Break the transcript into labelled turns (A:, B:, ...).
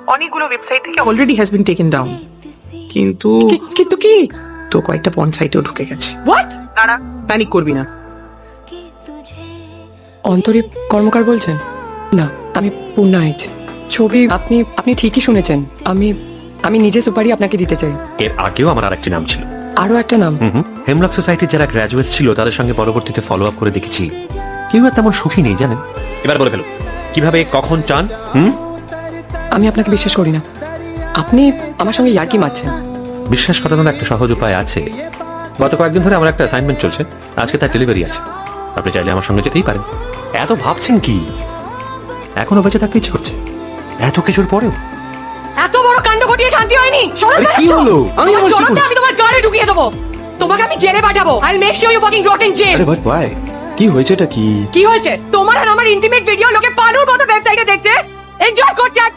A: অনেকগুলো ওয়েবসাইট থেকে already has been taken down, কিন্তু
B: কিন্তু কি?
A: তো কয়েকটা পর্ন সাইটেও ঢুকে গেছে।
B: হোয়াট?
A: দাঁড়া, প্যানিক করবি না।
B: অন্তরী কর্মকার বলছেন? না, আমি পূর্ণা আইচ। ছবি আপনি আপনি ঠিকই শুনেছেন। আমি আমি নিজে সুপারি আপনাকে দিতে চাই।
C: এর আগেও আমার আরেকটি নাম ছিল।
B: আরো একটা নাম?
C: হেমলক সোসাইটির যারা গ্র্যাজুয়েট ছিল তাদের সঙ্গে পরবর্তীতে ফলো আপ করে দেখেছি কেউ আর তেমন সুখী নেই, জানেন। এবার বলে ফেলো, কিভাবে কখন চান?
B: আমি আপনাকে বিশ্বাস করি না। আপনি আমার সঙ্গে ইয়ার্কি মারছেন।
C: বিশ্বাস করানোর একটা সহজ উপায় আছে। গত কয়েকদিন ধরে আমার একটা অ্যাসাইনমেন্ট চলছে, আজকে তার ডেলিভারি আছে। আপনি চাইলে আমার সঙ্গে যেতেই পারেন। এত ভাবছেন কি? এখনো বেঁচে থাকতে ইচ্ছে করছে এত কিছুর পরেও?
B: এত বড় কাণ্ড ঘটিয়ে শান্তি হয়নি।
C: আরে কি হলো? আমি আবার কি করলাম?
B: আমি তোমার গাড়ি ঢুকিয়ে দেবো। তোমাকে আমি জেলে পাঠাবো। I will make sure you fucking rot in jail.
D: আরে বাট ওয়াই? কি হয়েছে? এটা কি?
B: কি হয়েছে? তোমার আর আমার ইন্টিমেট ভিডিও লোকে পালুর মতো ওয়েবসাইটে দেখছে, এনজয় করছে আর